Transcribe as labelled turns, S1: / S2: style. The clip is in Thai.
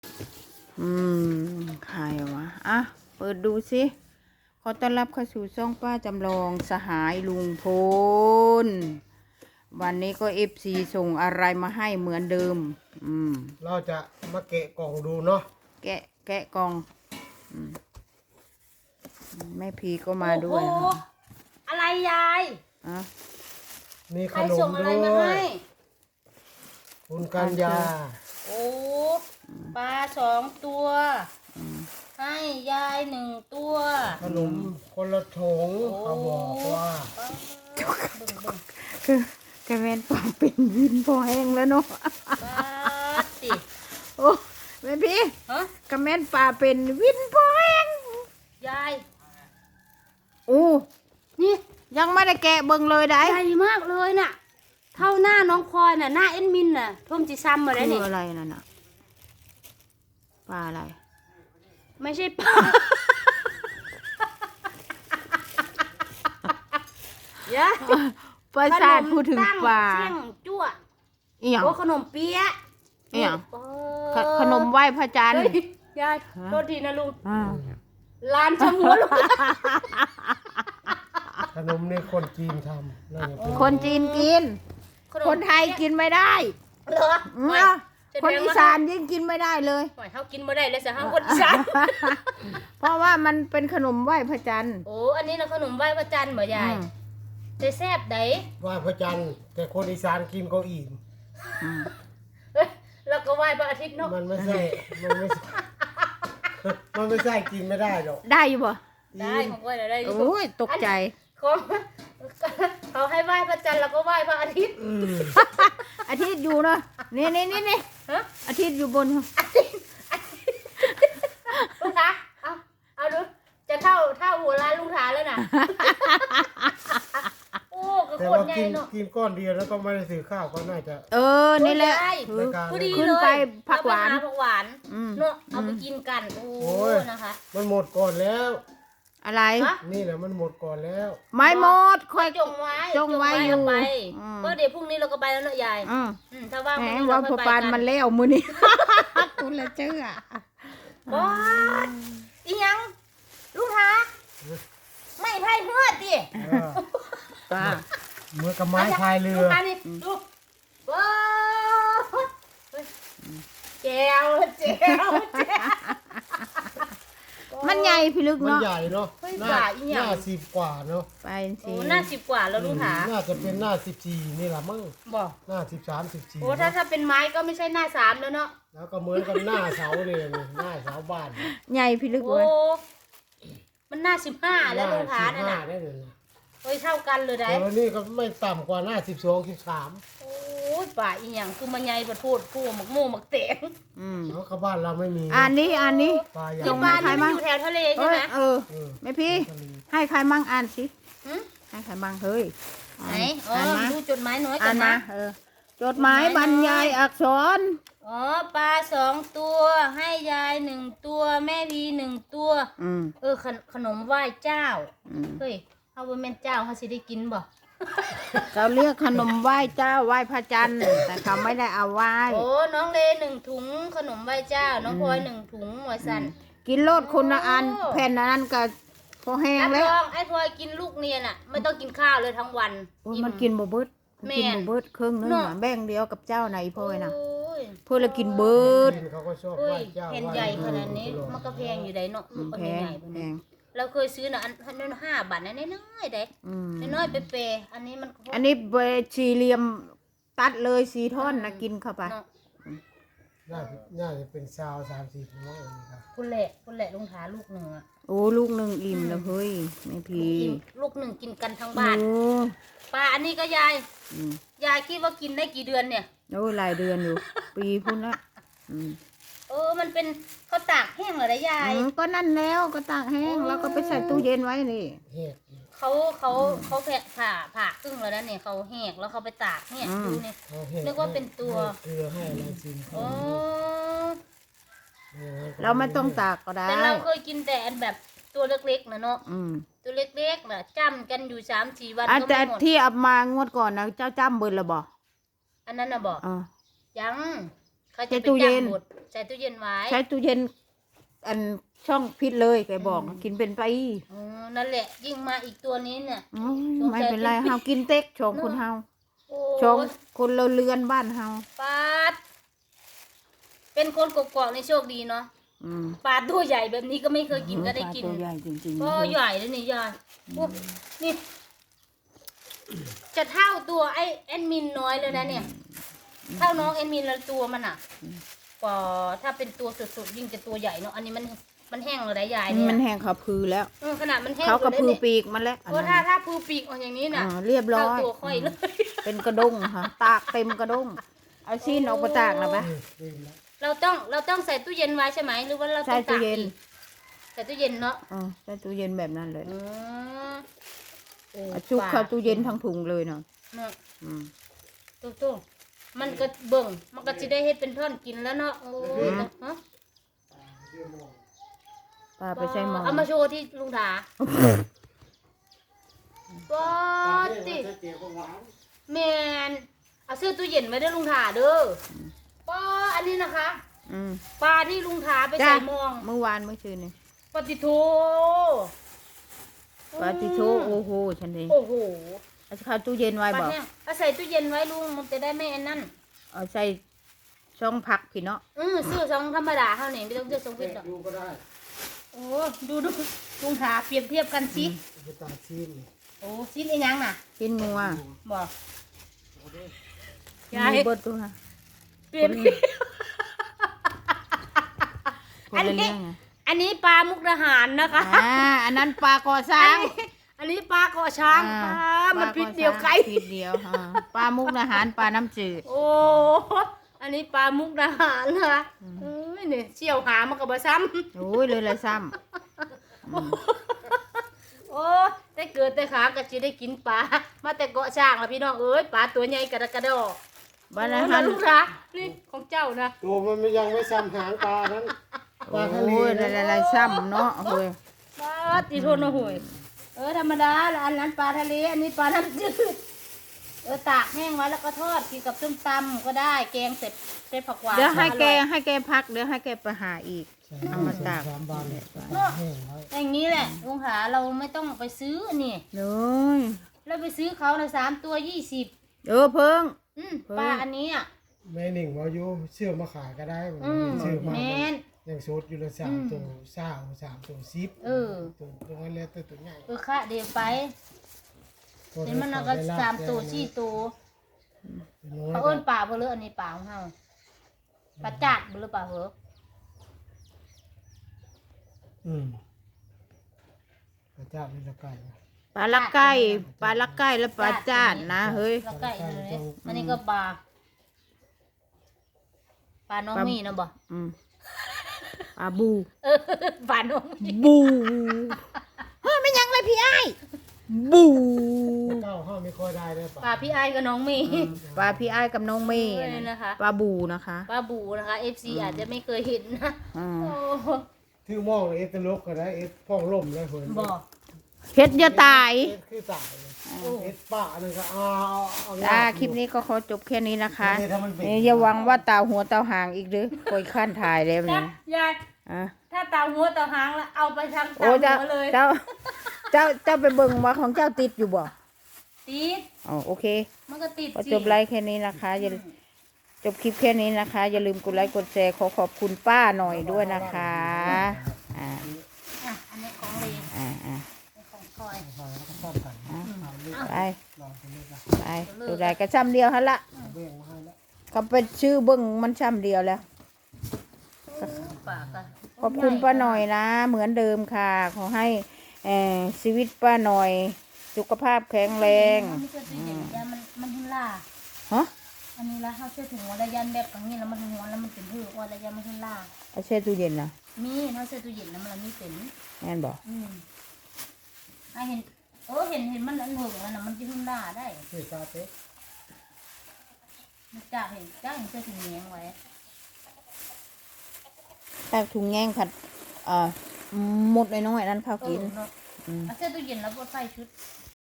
S1: ใครวะอ่ะเปิดดูสิขอต้อนรับเข้าสู่ช่องป้าจำลองสหายลุงพลวันนี้ก็FCส่งอะไรมาให้เหมือนเดิม
S2: เราจะมาแกะกล่องดูเนาะ
S1: แกะกล่องแม่พีก็มาด้วยนะ
S3: อะไรยาย
S1: อ่ะ
S2: มีข
S3: ใคร
S2: น
S3: ส่
S2: ม
S3: งอะไร
S2: ด้
S3: มา
S2: วย
S3: ให้
S2: คุณกัญญา
S3: โอ้ปลา2 ตัว ให้ยาย1 ตัว
S2: ขนมคนละถุงเขาบอกว่า
S1: คือแกแม่นปากเป็นวินพอแห้งแล้วเนาะ
S3: ปลาติ
S1: โอ้แม่พี่
S3: ฮะ
S1: กระแม่นปลาเป็นวินพอแห้ง
S3: ยาย
S1: โอ้
S3: นี่
S1: ยังไม่ได้แกะเบิ่งเลยได้
S3: ใหญ่มากเลยน่ะ เท่าหน้าน้องพลอยน่ะหน้าเอ็นมินน่ะท่วมจีซ้ำมาได้
S1: คื
S3: นี่
S1: ออะไรนั่นน่ะปลาอะไร
S3: ไม่ใช่ปลา ยาย
S1: ประสาทพูดถึงปลา
S3: ขนมตั้งเสี่ยงจั่ว
S1: อีหยัง
S3: โอ้ขนมเปี๊ยะ
S1: อีหยัง
S3: เอ
S1: ขนมไหว้พระจันทร์
S3: เฮ้ยยายโทษทีนะลุง
S1: อ่า
S3: ลานชะมัวลุง
S2: ขนมนี่คนจีนทำน่าจะเป็น
S1: คนจีนกิน คนไทยกินไม่ได้
S3: เหรอ
S1: เนาะคนอีสานยิ่งกินไม่ได้เลย
S3: หอยเฮากินบ่ได้เลยสิเฮาคนอีสาน
S1: เพราะว่ามันเป็นขนมไหว้พระจันทร์
S3: โอ้อันนี้เราขนมไหว้พระจันทร์บ่ยายแต่แซ่บได
S2: ไหว้พระจันทร์แต่คนอีสานกินก็อิ่ม
S3: เอ้ยแล้วก็ไหว้พระอาทิตย์เนาะ
S2: มันไม่ใช่มันไม่ใช่ มันไม่ใช่กินไม่ได้หรอก
S1: ได้อยู่บ่
S3: ได้ของไหว้ได้อยู่
S1: โอ้ยตกใจ
S3: ของเขาให้ไหว้พระจันทร์แล้วก็ไหว้พระอาทิตย์
S1: อาทิตย์อยู่เนาะนี่
S3: ฮะ
S1: อาทิตย์อยู่บน
S3: ลุงถาเอาดูจะเท่าหัวร้านลุงถาแล้วน่ะโอ้ก็
S2: แต่
S3: โคต
S2: ว่าร
S3: ใหญ่
S2: กิน
S3: เนาะ
S2: กินก้อนเดียวแล้วก็ไม่ได้ซื้อข้าวก็น่าจะ
S1: นี่แหละ
S3: โอ้ย
S1: คือ
S2: รายการ
S3: พอดี
S1: ขึ้น
S3: เลย
S1: ไปผักหวาน
S3: เอไปผักหวาน
S1: อืม
S3: เนาะเอาไปกินกันโอ้
S2: โอ้ย
S3: นะคะ
S2: มันหมดก่อนแล้ว
S1: อะไร
S3: ฮะ
S2: นี่แหละมันหมดก่อนแล้ว
S1: ไม่หมดค่อย
S3: จงไว้
S1: จงไว้อยู่
S3: เอาไป
S1: อืม
S3: ก็เดี๋ยวพรุ่งนี้เราก็ไปแล้วเนอะยาย
S1: อืม
S3: ถ้าว่าง
S1: แหม
S3: พรุ่งนี้
S1: ว่า
S3: เรา
S1: พ
S3: ค่
S1: อ
S3: อยไป
S1: ปาน
S3: กัน
S1: มันแล้วมือนี่ คุณละเจ้า
S3: ว้าดอีหยังลูกหาไม่ไพ่เฮือดดิ
S2: เออ
S1: ป้า
S2: เหมื่อนกับไม้พายเรื
S3: ลู
S2: อก
S3: หานี่ดูว้าวเฮ้ยแจวแจวแจว
S1: มันใหญ่พิลึก
S2: มัน
S1: เนาะ
S2: ใหญ่เนาะ
S3: เฮ้ย
S2: หน้า
S3: ฝ่าอีหยัง
S2: หน้าสิบกว่าเนาะ
S1: ไป
S3: โอ้
S1: สิ
S3: หน้า10 กว่าแล้วลูกหา
S2: น่าจะเป็นหน้า14นี่แหละมั้ง
S3: บอก
S2: หน้า13 14
S3: โอ้ถ้าเป็นไม้ก็ไม่ใช่หน้า3แล้วเนาะ
S2: แล้วก็เหมือนกับหน้าเสาเลยนี่หน้าเสาบ้าน
S1: ใหญ่พิลึก
S3: โอ้
S1: เว้ย
S3: มันหน้า15แล้วลูกหานั่น
S2: หน้า
S3: น่ะ
S2: 15ได้เลยนะ
S3: เฮ้ยเท่ากันเลยได้
S2: แต่วันนี้ก็ไม่ต่ำกว่าหน้า12 13
S3: โอ้ยป่าอีหยังคือมันใหญ่ประโทษผู้หมักโม่หมักเตง
S2: เพราะกับบ้านเราไม่มี
S1: อันนี้
S2: ปลาใหญ่
S1: จ
S3: ที่
S1: ง
S3: บ้าน
S1: ใคร
S3: นี่
S1: มั่
S3: มัน
S1: ง
S3: อยู่แถวทะเล
S1: เอ
S3: ใช่ไหม
S1: อแม่พี่ ให้ใครมั่งอ่านสิ
S3: หึ
S1: ให้ใครมั่งเฮ้ย
S3: ไหนอ๋อ
S1: อ่านมา
S3: ดูจดหมายน้อยกั
S1: อ่าน น
S3: นะ
S1: มาจดหมายบรรยายอักษร
S3: อ๋อปลา2 ตัวให้ยาย1 ตัวแม่พี1 ตัว ขนมไหว้เจ้าเฮ้ยเอาบ่แม่นเจ้าเขาสิได้กินบ่
S1: เราเรียกขนมไหว้เจ้าไหว้พระจันทร์แต่เขาไม่ได้เอาไหว้
S3: โอ้น้องเล1 ถุงขนมไหว้เจ้า น้องพลอย1 ถุงหัวสัน
S1: กินโลดคนละอัน
S3: โอ้
S1: แผ่นอันนั้นก็พอแห้ง
S3: รับ
S1: แล้ว
S3: รองไอ้พลอยกินลูกเนียนอ่ะ ไม่ต้องกินข้าวเลยทั้งวัน
S1: โอ้ยมันกินบ่เบิดมันกิน
S3: แม่น
S1: บ่เบิดครึ่งนึง
S3: เนาะ
S1: อะแบ่งเดียวกับเจ้าไหนพ่อยนะ
S3: โอ้ย
S1: เพื่อละกินเบิด
S2: จีนเขาก็ชอบ
S3: เฮ้
S2: ไหว้
S3: ย
S2: เจ้า
S3: แผ่น
S2: ไหว้
S3: ใหญ่ข
S2: ครู
S3: นาดนี้
S2: ตลอด
S3: มันก็แพงอยู่ได้เนาะลูกอัน
S1: แพง
S3: ใหญ่ๆแบบ
S1: แพ
S3: นี้
S1: ง
S3: เราเคยซื้อน่ะอันนั้น5 บาทนะน้อยๆเด้
S1: อืม
S3: น้อยๆเปย์ๆอันนี้มัน
S1: อันนี้เบสี่เหลี่ยมตัดเลยสีท่อนนะกินเข้าไป
S3: เนาะ
S2: น่าจะเป็นซาว30มั้งครับ
S3: พุ่นแหละลุงถาลูกหนึ่งอ่ะ
S1: โอ้ลูกหนึ่งอิ่มแล้วเฮ้ยไม่พี
S3: ลูกหนึ่งกินกันทั้งบ้าน
S1: โอ้
S3: ปลาอันนี้ก็ยาย
S1: อืม
S3: ยายคิดว่ากินได้กี่เดือนเนี่ย
S1: โอ้ยหลายเดือนอยู่ ปีพุ่นละอืม
S3: มันเป็นข้าวตากแห้งเหรอนะยาย
S1: ก็นั่นแล้วก็ตากแห้งแล้วก็ไปใส่ตู้เย็นไว้นี่
S2: เฮ็ด
S3: เขาผ่าครึ่งแล้วนะเนี่ยเขาแหกแล้วเขาไปตากเนี่ยดูเนี่ย
S2: เขาเฮ็ด
S3: นึกว่าเป็นตัว
S2: ให้เกลือให้อะไรสิ
S3: โอ้
S1: เราไม่ต้องตากก็ได้
S3: แต่เราเคยกินแต่อันแบบตัวเล็กๆนะเนาะ
S1: อืม
S3: ตัวเล็กๆน่ะจ้ำกันอยู่3-4 วัน
S1: อ่ะ
S3: ก็
S1: แต่
S3: ไม่หมด
S1: ที่เอามางวดก่อนนะเจ้าจ้ำเบิดละบ่
S3: อันนั้นน่ะบอก
S1: อ่า
S3: ยังขก็จะไปจับหมดใส่ตู้เย็นไว้
S1: ใช้ตู้เย็นอันช่องพิษเลยแกบอกกินเป็นไป
S3: นั่นแหละยิ่งมาอีกตัวนี้เนี่ย
S1: ไม่เป็นไรเฮากินเต็กชงคนเฮา
S3: โอ้
S1: ชงคนเราเรือนบ้านเฮา
S3: ปาดเป็นคนกกอกในโชคดีเนาะ
S1: อืม
S3: ปลาตัวใหญ่แบบนี้ก็ไม่เคยกินก็ได้กิน
S1: ปลาตัวใหญ่จริงๆ
S3: ก็ใหญ่เลยนี่ยายโอ้นี่จะเท่าตัวไอ้แอดมินน้อยเลยนะเนี่ย เท่าน้องแอดมินละตัวมันอ่ะก็ถ้าเป็นตัวสุดๆยิ่งจะตัวใหญ่เนาะอันนี้มันแห้งเลยนะยายเนี่ย
S1: มันแห้งเขาพือแล้ว
S3: ขนาดมันแห้ง
S1: เขากระพือ
S3: เลย
S1: ปีกมันแล้ว
S3: เพราะถ้าพือปีกออกอย่างนี้น่ะ
S1: เรียบร้อ
S3: เท่าย ตัวค่อยเลย
S1: เป็นกระด้งค่ะตากเต็มกระด้งเอาซีนออกมาตากนะปะ
S3: เราต้องใส่ตู้เย็นไว้ใช่ไหมหรือว่าเราต้
S1: ใส่
S3: อง
S1: ตู้
S3: ตาก
S1: เย็น
S3: อีกใส่ตู้เย็นเนาะ
S1: ใส่ตู้เย็นแบบนั้นเลย
S3: โอ้
S1: เอาชุบเข้าตู้เย็นทั้งถุงเลยเนาะ
S3: เนาะ
S1: อืม
S3: ตู้มันก็เบิ่งมันก็จะได้เฮ็ดเป็นท่อนกินแล้วเนาะโอ้ยฮะ
S1: ป้าไปใช้หมอ
S3: เอามาโชว์ที่ลุงถาป๊อดติแมนเอาซื้อตู้เย็นไว้เด้อลุงถาเด้อป๊ออันนี้นะคะ
S1: อืม
S3: ปลาที่ลุงถาไป
S1: จ้า
S3: ใส่มอง
S1: เมื่อวานเมื่อคืนนี่
S3: ปฏิโท
S1: ปาติโชโอ้โหฉันเอง
S3: โอ้โห
S1: เอาเข้าตู้เย็นไว้
S3: ปลา
S1: บอก
S3: แห้งเอาใส่ตู้เย็นไว้ลุงมันจะได้ไม่อันนั่น
S1: เอาใส่ช่องพักพี่เนาะ
S3: ซื้อซองธรรมดาเท่านี้ไม่ต้องซื้อซองฟิตหรอก
S2: ดูก็ได้
S3: โอ้ดูลุงถาเปรียบเทียบกันสิ
S2: ไปตาซีนนี่
S3: โอ้ชิ้นไอ้ยังน่ะ
S1: กินงัว
S3: บอก
S1: มีเบดตัวค่ะ
S3: เปรียบเทียบ
S1: คนละเรื่องไง
S3: อันนี้ปลามุกดาหารนะคะ
S1: อันนั้นปลาก่อสร้าง
S3: อันนี้ปลาเกาะช้างปลามันพิษเดียวไก่
S1: พิษเดียวปลามุกอาหารปลาน้ำจืด
S3: โอ้อันนี้ปลามุกดาหารนะคะเอ้ยเนี่ยเชี่ยวหามันก็บ่ซ้
S1: โอ้ยเลยละซ้
S3: ำโอ้แต่เกิดแต่ขาก็จะได้กินปลามาแต่เกาะช้างแล้วพี่น้องเอ้ยปลาตัวใหญ่กระดอก
S1: ำบ้านอา
S3: โอ้
S1: หาร
S3: ลูกนะนี่ของเจ้านะ
S2: ตัวมันยังไม่ซ้ำหางปลานั้นปลาทะเล
S1: โอ้ยละซ้ำเนาะเฮ้ย
S3: ปลาตีโทนนะห่วยธรรมดาแล้วอันนั้นปลาทะเลอันนี้ปลาน้ำจืดตากแห้งไว้แล้วก็ทอดกินกับส้มตำก็ได้แกงเสร็จผักหวาน
S1: เดี๋ยวให้แก
S3: อร่อย
S1: ให้แกพักเดี๋ยวให้แกไปหาอีก เอามาตาก
S2: 3 บาทเนี่ยแห้งไว้
S3: อย่างนี้แหละลุงหาเราไม่ต้องไปซื้อนี่
S1: เลย
S3: แล้วไปซื้อเขาใน3 ตัว 20
S1: เพิ่ง
S3: ปลาอันนี้อ่ะ
S2: แม่หนิงว่าอยู่เชื่อมาขายก็ได้ผม
S3: แ
S2: ชื่อมา
S3: มน
S2: ยังโซดอยู่ละ3 ตัว3 ตัว10
S3: เออ
S2: ตัวนั้นแล้วแต่ตัวใหญ่
S3: ค่ะเดี๋ยวไปเห็นมันเอาก็3 ตัว 4 ตัวเขาเอิ้นปลาเบลออันนี้ปลาของเฮาปลาจัดเบลอปลาเหรอ
S2: พระเจ้าเป็นละไก่
S1: ปลาลักไก่ปลาลักไก่และปลาจาดนะเฮ้ย
S3: แล้วก็อีกเลยอันนี้ก็ปลาน้องมีนะบ่
S1: อืมปลาบู
S3: ปลาน้องมี
S1: บูเฮ้ยไม่ยังเลยพี่ไอ้ายบู
S2: เจ้าห้าไม่ค่อยได้เลย
S3: ปลาพี่ไอ้กับน้องมี
S1: ปลาพี่ไอ้ายกับน้องเมย์
S3: เออนะคะ
S1: ปลาบูนะคะ
S3: ปลาบูนะคะ FC อาจจะไม่เคยเห็นนะ
S1: อืม
S3: โอ้
S2: ถือมองเอสตลกก็ได้เอสพ่องล่มเลยเพิ่น
S3: บอก
S1: เพชรอย่าตาย
S2: เอสคือตายเลยเอสป่านึงก็เอา
S1: จ้าคลิปนี้ก็ขอจบแค่นี้นะคะ
S2: ถ้ามันเป็น
S1: อย่าหวังว่าตาหัวตาหางอีกเด้อคอยขั้นถ่ายแล้ว
S3: ถ้า
S1: เนี่ย
S3: ยาย
S1: อ่ะ
S3: ถ้าตาหัวตาหางแล้วเอาไปทางตา
S1: โอ้เจ้า
S3: หัวเลย
S1: เจ้าไปเบิ่งว่าของเจ้าติดอยู่บ่
S3: ติด
S1: อ๋อโอเค
S3: มันก็ติด
S1: ก็
S3: สิ
S1: จบไลฟ์แค่นี้นะคะอย่าจบคลิปแค่นี้นะคะ อย่าลืมกดไลค์กดแชร์ขอบคุณป้าหน่อยด้วยนะคะอ่า
S3: อันนี้ของเล
S1: อ่า
S3: ของคอย
S2: ชอบกัน
S1: ไป
S2: ลองไปเลยจ้ะ
S1: ไปตัวใดก็ซ้ำเดียวฮะละ
S2: เบี้ยงมาให้แล้ว
S1: เขาเป็นชื่อเบิ้งมันซ้ำเดียวแล้ว
S3: ปากอะ
S1: ขอบคุณป้าหน่อยนะ เหมือนเดิมค่ะ ขอให้ชีวิตป้าหน่อย สุขภาพแข็งแรง
S3: มันจะติดอย่างนี้มันหุ่นล่า
S1: ฮะ
S3: อันนี้ละเขาเชื่อถึงวันระยันแบบอย่างนี้แล้วมันหัวแล้วมันเป็นหื้อวันระยันมันหุ่นล่า
S1: เอาแช่ตู้เย็นนะ
S3: มีเขาเชื่อตู้เย็นแล้วมันมีเป็น
S1: งั้นบอก
S3: ไอเห็นเห็นมันอันหึงแล้วนะมันจะหุ่นล่าได้
S2: คือซาเต้
S3: มันจ่าเห็นเชื่อถึงเลี้ยงไว้
S1: ถ้าถุงแง่งผัดหมดน้อยๆนั้นข้าวกิน
S3: เนาะเอาเสื้อตู้เย็นแล้วบดไฟชุด